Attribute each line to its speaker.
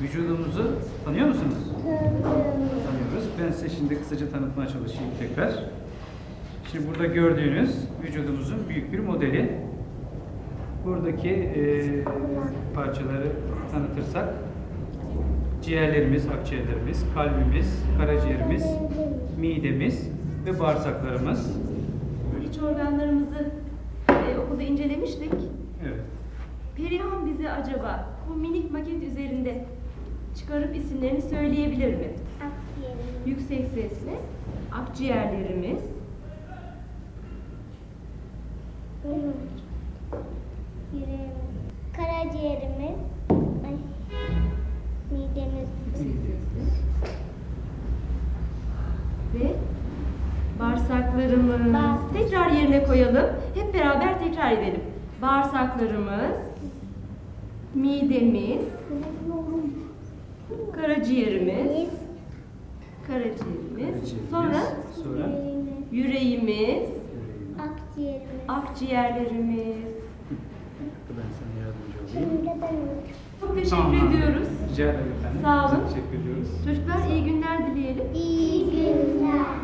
Speaker 1: Vücudumuzu tanıyor musunuz? Tanıyoruz. Ben size şimdi kısaca tanıtmaya çalışayım tekrar. Şimdi burada gördüğünüz vücudumuzun büyük bir modeli. Buradaki parçaları tanıtırsak ciğerlerimiz, akciğerlerimiz, kalbimiz, karaciğerimiz, midemiz ve bağırsaklarımız.
Speaker 2: İç organlarımızı okulda incelemiştik.
Speaker 1: Evet.
Speaker 2: Perihan bize acaba bu minik maket üzerinde çıkarıp isimlerini söyleyebilir mi?
Speaker 3: Akciğerimiz,
Speaker 2: Yüksek sesle. Akciğerlerimiz,
Speaker 3: yüreğimiz, karaciğerimiz, midemiz,
Speaker 2: yüksek sesle. Ve bağırsaklarımız.
Speaker 3: Bağırsak.
Speaker 2: Tekrar yerine koyalım. Hep beraber tekrar edelim. Bağırsaklarımız, midemiz, karaciğerimiz, sonra yüreğimiz,
Speaker 3: yüreğimiz,
Speaker 2: akciğerimiz.
Speaker 3: akciğerimiz.
Speaker 1: Ben sana yardımcı olayım.
Speaker 3: Şimdi ben
Speaker 2: Çok teşekkür
Speaker 1: Tamam.
Speaker 2: ediyoruz.
Speaker 1: Rica ederim efendim.
Speaker 2: Sağ olun.
Speaker 1: Teşekkür ediyoruz.
Speaker 2: Çocuklar iyi günler dileyelim.
Speaker 3: iyi günler.